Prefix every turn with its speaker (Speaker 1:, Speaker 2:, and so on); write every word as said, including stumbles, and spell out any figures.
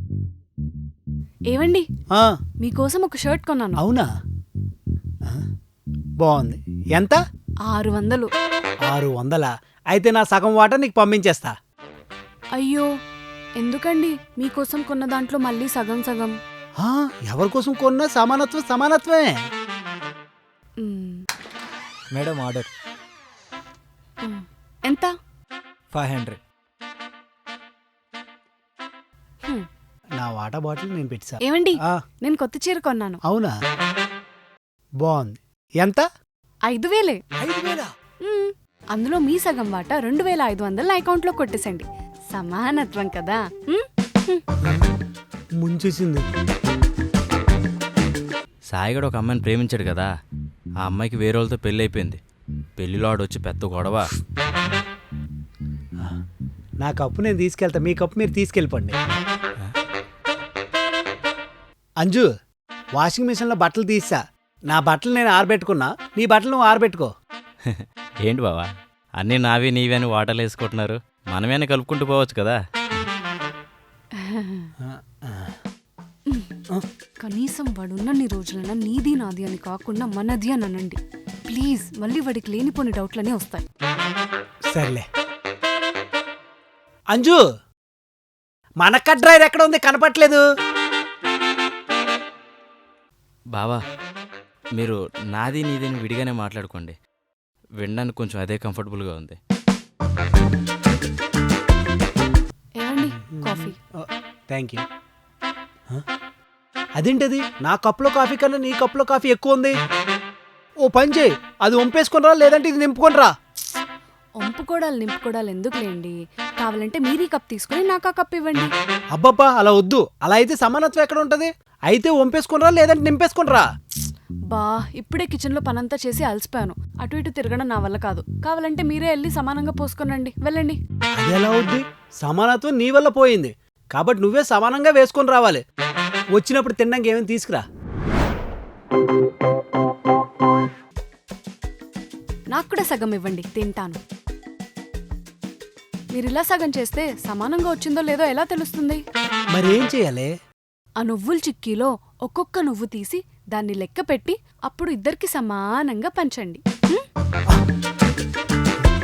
Speaker 1: ఏవండి
Speaker 2: ఆ,
Speaker 1: మీకోసం ఒక షర్ట్ కొన్నాను.
Speaker 2: అవునా ఆ, బాగుంది. ఎంత?
Speaker 1: ఆరు వందలు.
Speaker 2: ఆరు వందలా? అయితే నా సగం వాటా నీకు పంపించేస్తా.
Speaker 1: అయ్యో ఎందుకండి మీకోసం కొన్న దాంట్లో మళ్ళీ సగం సగం.
Speaker 2: ఆ, ఎవరి కోసం కొన్నా సమానత్వం సమానత్వమే.
Speaker 1: మ్,
Speaker 3: మేడం ఆర్డర్
Speaker 1: మ్. ఎంత?
Speaker 3: Five hundred.
Speaker 1: హ్మ్.
Speaker 2: నా వాటా బాటిల్ నేను పెట్టా.
Speaker 1: ఏవండి
Speaker 2: ఆ,
Speaker 1: నేను కొత్త చీర కొన్నాను.
Speaker 2: అవునా? బాగుంది. ఎంత?
Speaker 1: ఐదు వేలే.
Speaker 2: ఐదు వేలా?
Speaker 1: మ్, అందులో మీ సగం వాటా రెండు వేల ఐదు వందలు నా అకౌంట్లో కొట్టేసండి. సమానత్వం కదా. మ్? హ్మ్.
Speaker 2: ముంచేసింది.
Speaker 4: సాయిగడు ఒక అమ్మాయిని ప్రేమించాడు కదా, ఆ అమ్మాయికి వేరే వాళ్ళతో పెళ్ళి అయిపోయింది. పెళ్లిలో ఆడొచ్చి పెద్ద గొడవ.
Speaker 2: నా కప్పు నేను తీసుకెళ్తా, మీ కప్పు మీరు తీసుకెళ్ళిపోండి. అంజు, వాషింగ్ మిషన్లో బట్టలు తీసా. నా బట్టలు నేను ఆరబెట్టుకున్నా, నీ బట్టలు నువ్వు ఆరబెట్టుకో.
Speaker 4: ఏంటి బావా, అన్నీ నావి నీవి అని వాటర్లు వేసుకుంటున్నారు? మనమేనే కలుపుకుంటూ పోవచ్చు కదా.
Speaker 1: కనీసం వాడున్నన్ని రోజులైనా నీది నాది అని కాకుండా మనది అని అనండి ప్లీజ్. మళ్ళీ వాడికి లేనిపోని డౌట్లనే వస్తాయి.
Speaker 2: సర్లే. అంజు, మన కట్ డ్రైవర్ ఎక్కడ ఉంది? కనపట్లేదు.
Speaker 4: బావా, మీరు నాది నీదని విడిగానే మాట్లాడుకోండి. వినడానికి కొంచెం అదే కంఫర్టబుల్గా ఉంది.
Speaker 1: ఏమండి కాఫీ?
Speaker 2: Thank you. అదేంటది? నా కప్పులో కాఫీ కన్నా నీ కప్పులో కాఫీ ఎక్కువ ఉంది. ఓ పని చేయి, అది వంపేసుకునిరా, లేదంటే ఇది నింపుకొనిరా.
Speaker 1: వంపుకోడాలు నింపుకోడాలు ఎందుకులేండి, కావాలంటే మీరీ కప్ తీసుకుని నాకు ఆ కప్ ఇవ్వండి.
Speaker 2: అబ్బబ్బా, అలా వద్దు. అలా అయితే సమానత్వం ఎక్కడ ఉంటది? అయితే వంపేసుకునిరా, లేదంటే నింపేసుకునిరా.
Speaker 1: బా ఇప్పుడే కిచెన్లో పనంతా చేసి అలసిపోయాను. అటు ఇటు తిరగడం నా వల్ల కాదు. కావాలంటే మీరే వెళ్ళి సమానంగా పోసుకునండి, వెళ్ళండి.
Speaker 2: అది ఎలా అవుద్ది? సమానత్వం నీ వల్ల పోయింది కాబట్టి నువ్వే సమానంగా వేసుకొని రావాలి. వచ్చినప్పుడు తినడానికి ఏమైనా తీసుకురా.
Speaker 1: నాకు కూడా సగం ఇవ్వండి, తింటాను. మీరు ఇలా సగం చేస్తే సమానంగా వచ్చిందో లేదో ఎలా తెలుస్తుంది?
Speaker 2: మరేం చేయాలి?
Speaker 1: ఆ నువ్వుల చిక్కీలో ఒక్కొక్క నువ్వు తీసి దాన్ని లెక్క పెట్టి అప్పుడు ఇద్దరికి సమానంగా పంచండి.